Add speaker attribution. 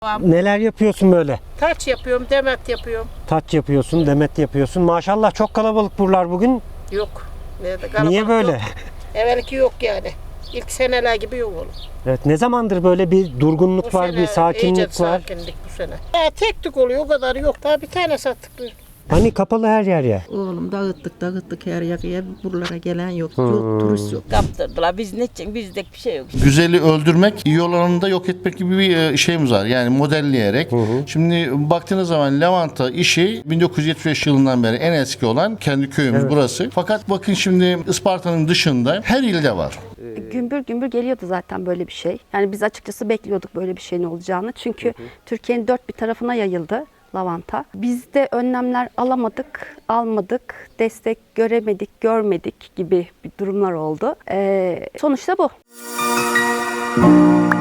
Speaker 1: Neler yapıyorsun böyle?
Speaker 2: Taç yapıyorum, demet yapıyorum.
Speaker 1: Taç yapıyorsun, demet yapıyorsun. Maşallah çok kalabalık buralar bugün.
Speaker 2: Yok.
Speaker 1: Niye böyle?
Speaker 2: Yok. Evvelki yok yani. İlk seneler gibi yok oğlum.
Speaker 1: Evet, ne zamandır böyle bir durgunluk
Speaker 2: Bu
Speaker 1: var,
Speaker 2: sene
Speaker 1: bir sakinlik
Speaker 2: iyice
Speaker 1: var?
Speaker 2: sakinlik bu sene. Tek tük oluyor, o kadar yok. Daha bir tane sattık.
Speaker 1: Hani kapalı her yer ya.
Speaker 3: Oğlum dağıttık her yakaya, buralara gelen yok. Yok, turist yok.
Speaker 4: Kaptırdılar. Biz ne için? Bizde bir şey yok.
Speaker 5: Güzeli öldürmek, iyi olanını da yok etmek gibi bir şeyimiz var. Yani modelleyerek. Şimdi baktığınız zaman lavanta işi 1975 yılından beri en eski olan kendi köyümüz burası. Fakat bakın şimdi Isparta'nın dışında her ilde var.
Speaker 6: Gümbür gümbür geliyordu zaten böyle bir şey. Yani biz açıkçası bekliyorduk böyle bir şeyin olacağını. Çünkü Türkiye'nin dört bir tarafına yayıldı lavanta. Biz de önlemler almadık, destek göremedik, görmedik gibi bir durumlar oldu. Sonuçta bu.